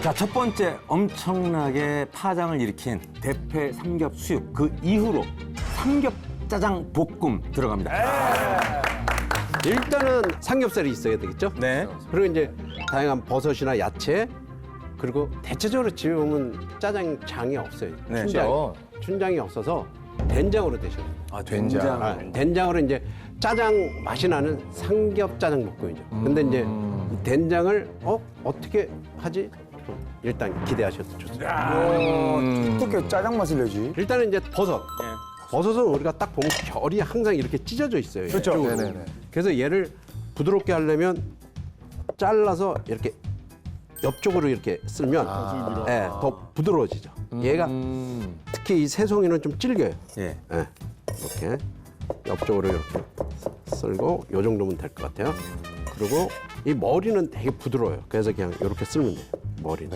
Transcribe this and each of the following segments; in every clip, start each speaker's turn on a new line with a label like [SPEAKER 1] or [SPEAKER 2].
[SPEAKER 1] 자, 첫 번째 엄청나게 파장을 일으킨 대패 삼겹 수육. 그 이후로 삼겹 짜장 볶음 들어갑니다.
[SPEAKER 2] 일단은 삼겹살이 있어야 되겠죠?
[SPEAKER 1] 네.
[SPEAKER 2] 그리고 이제 다양한 버섯이나 야채, 그리고 대체적으로 집에 보면 짜장장이 없어요.
[SPEAKER 1] 네.
[SPEAKER 2] 춘장이 없어서 된장으로 드셔요.
[SPEAKER 1] 아, 된장.
[SPEAKER 2] 된장으로 이제 짜장 맛이 나는 삼겹 짜장 볶음이죠. 근데 이제 된장을 어떻게 하지? 일단 기대하셔도 좋습니다.
[SPEAKER 3] 어떻게 짜장 맛을 내지?
[SPEAKER 2] 일단은 이제 버섯.
[SPEAKER 1] 네.
[SPEAKER 2] 버섯은 우리가 딱 보면 결이 항상 이렇게 찢어져 있어요.
[SPEAKER 3] 그렇죠.
[SPEAKER 2] 이쪽으로.
[SPEAKER 3] 네네네.
[SPEAKER 2] 그래서 얘를 부드럽게 하려면 잘라서 이렇게 옆쪽으로 이렇게 쓸면 더 부드러워지죠. 얘가 특히 이 새송이는 좀 질겨요.
[SPEAKER 1] 예.
[SPEAKER 2] 예, 이렇게 옆쪽으로 이렇게 쓸고 요 정도면 될 것 같아요. 그리고 이 머리는 되게 부드러워요. 그래서 그냥 이렇게 쓸면 돼요. 머리는.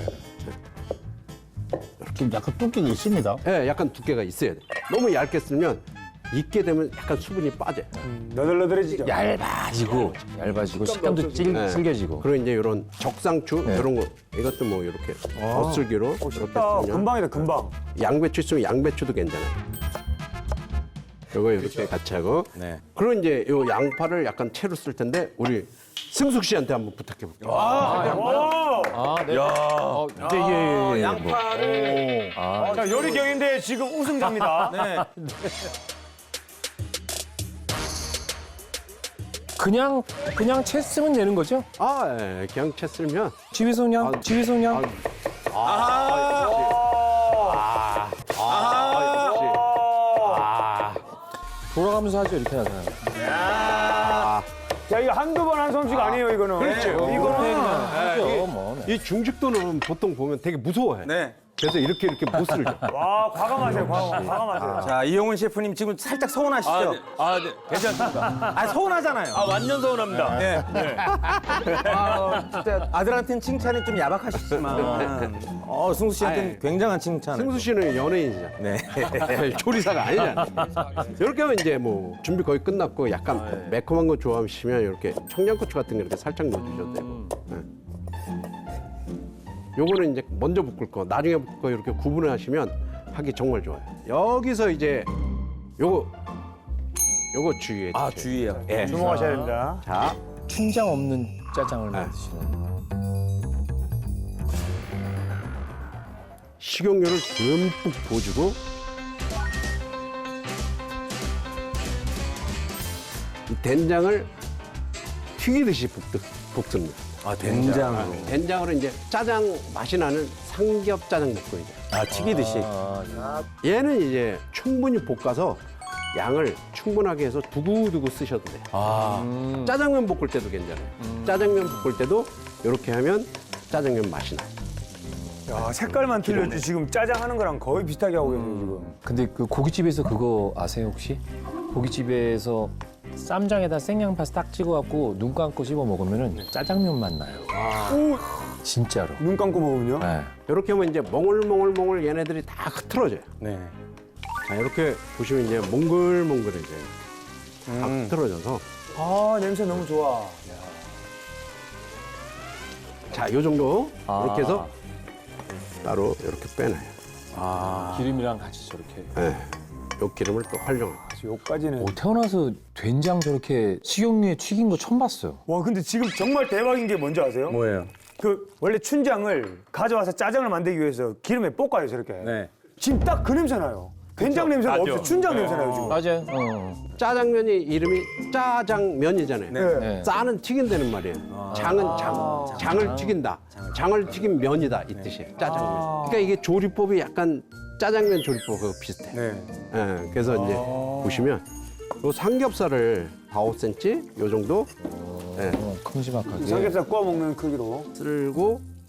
[SPEAKER 4] 좀 약간 뚝뚝이 있습니다.
[SPEAKER 2] 예, 약간 두께가 있어야 돼. 너무 얇게 쓸면 익게 되면 약간 수분이 빠져요.
[SPEAKER 3] 너덜너덜해지죠.
[SPEAKER 4] 얇아지고 식감도
[SPEAKER 2] 네.
[SPEAKER 4] 질겨지고.
[SPEAKER 2] 그리고 이제 이런 적상추 이런 거 이것도 뭐 이렇게 겉슬기로 이렇게
[SPEAKER 3] 쉽다.
[SPEAKER 2] 쓰면
[SPEAKER 3] 금방이다, 금방.
[SPEAKER 2] 양배추 있으면 양배추도 괜찮아요. 이거 이렇게 같이 하고
[SPEAKER 1] 네.
[SPEAKER 2] 그리고 이제 요 양파를 약간 채로 쓸 텐데 우리 승숙 씨한테 한번 부탁해 볼게요.
[SPEAKER 4] 예.
[SPEAKER 1] 양파를.
[SPEAKER 3] 자, 요리 경인데 지금 우승자입니다.
[SPEAKER 1] 네.
[SPEAKER 4] 그냥 채 쓰면 되는 거죠?
[SPEAKER 2] 아, 예, 그냥 채 쓸면
[SPEAKER 4] 집에서 그냥 돌아가면서 하죠 이렇게 하잖아요.
[SPEAKER 3] 야, 이거 한두 번 한 솜씨가 아니에요, 이거는.
[SPEAKER 2] 그렇죠.
[SPEAKER 3] 이거는.
[SPEAKER 4] 하죠 뭐.
[SPEAKER 2] 이 중식도는 보통 보면 되게 무서워해.
[SPEAKER 1] 네.
[SPEAKER 2] 그래서 이렇게 못 쓸죠.
[SPEAKER 3] 와, 과감하세요, 과감하세요.
[SPEAKER 1] 자, 이용훈 셰프님 지금 살짝 서운하시죠?
[SPEAKER 5] 네. 괜찮습니다.
[SPEAKER 1] 아, 서운하잖아요.
[SPEAKER 5] 완전 서운합니다.
[SPEAKER 1] 네. 진짜 아들한테는 칭찬이 좀 야박하시지만 승수 씨한테는 굉장한 칭찬.
[SPEAKER 2] 승수 씨는 연예인이잖아.
[SPEAKER 1] 네.
[SPEAKER 2] 조리사가 아니잖아. 이렇게 하면 이제 뭐 준비 거의 끝났고 약간 매콤한 거 좋아하시면 이렇게 청양고추 같은 거 이렇게 살짝 넣어주셔도 되고. 네. 요거는 이제 먼저 볶을 거, 나중에 볶을 거 이렇게 구분을 하시면 하기 정말 좋아요. 여기서 이제 요거 주의해 주세요.
[SPEAKER 1] 아, 주의해요.
[SPEAKER 2] 예.
[SPEAKER 3] 주목하셔야 됩니다.
[SPEAKER 2] 자,
[SPEAKER 4] 춘장 없는 짜장을 만드시는.
[SPEAKER 2] 식용유를 듬뿍 부어주고 이 된장을 튀기듯이 볶습니다.
[SPEAKER 1] 아, 된장으로.
[SPEAKER 2] 된장으로 이제 짜장 맛이 나는 삼겹 짜장 볶음이죠.
[SPEAKER 1] 아, 튀기듯이.
[SPEAKER 2] 얘는 이제 충분히 볶아서 양을 충분하게 해서 두고두고 쓰셔도 돼요. 짜장면 볶을 때도 괜찮아요. 짜장면 볶을 때도 이렇게 하면 짜장면 맛이 나요.
[SPEAKER 3] 야, 색깔만 틀렸지. 지금 짜장 하는 거랑 거의 비슷하게 하고 계세요, 지금.
[SPEAKER 4] 근데 그 고깃집에서 그거 아세요 혹시? 고깃집에서 쌈장에다 생양파 딱 찍어갖고 눈 감고 씹어 먹으면은 짜장면 맛 나요. 진짜로.
[SPEAKER 3] 눈 감고 먹으면요?
[SPEAKER 4] 네.
[SPEAKER 2] 이렇게 하면 이제 몽글몽글 얘네들이 다 흐트러져요.
[SPEAKER 1] 네.
[SPEAKER 2] 자, 이렇게 보시면 이제 몽글몽글해져요. 다 흐트러져서.
[SPEAKER 3] 아, 냄새 너무 좋아.
[SPEAKER 2] 자, 요 정도 이렇게 해서 따로 이렇게 빼놔요.
[SPEAKER 4] 기름이랑 같이 저렇게.
[SPEAKER 2] 네. 요 기름을 또 활용해요.
[SPEAKER 3] 요까지는.
[SPEAKER 4] 태어나서 된장 저렇게 식용유에 튀긴 거 처음 봤어요.
[SPEAKER 3] 와, 근데 지금 정말 대박인 게 뭔지 아세요?
[SPEAKER 1] 뭐예요?
[SPEAKER 3] 그 원래 춘장을 가져와서 짜장을 만들기 위해서 기름에 볶아요, 저렇게.
[SPEAKER 1] 네.
[SPEAKER 3] 지금 딱 그 냄새 나요. 된장 냄새가 없어요. 춘장 냄새 나요, 지금.
[SPEAKER 4] 맞아요.
[SPEAKER 2] 짜장면이 이름이 짜장면이잖아요.
[SPEAKER 3] 네.
[SPEAKER 4] 네.
[SPEAKER 2] 짜는 튀긴다는 말이에요. 장은 장을 튀긴다. 장을 튀긴 면이다 이 뜻이에요. 짜장면. 그러니까 이게 조리법이 약간 짜장면 조리법하고 비슷해요.
[SPEAKER 1] 네.
[SPEAKER 2] 예, 그래서 이제 보시면 요 삼겹살을 4-5cm 요 정도
[SPEAKER 4] 큼지막하게.
[SPEAKER 3] 삼겹살 구워 먹는 크기로.
[SPEAKER 2] 쓸고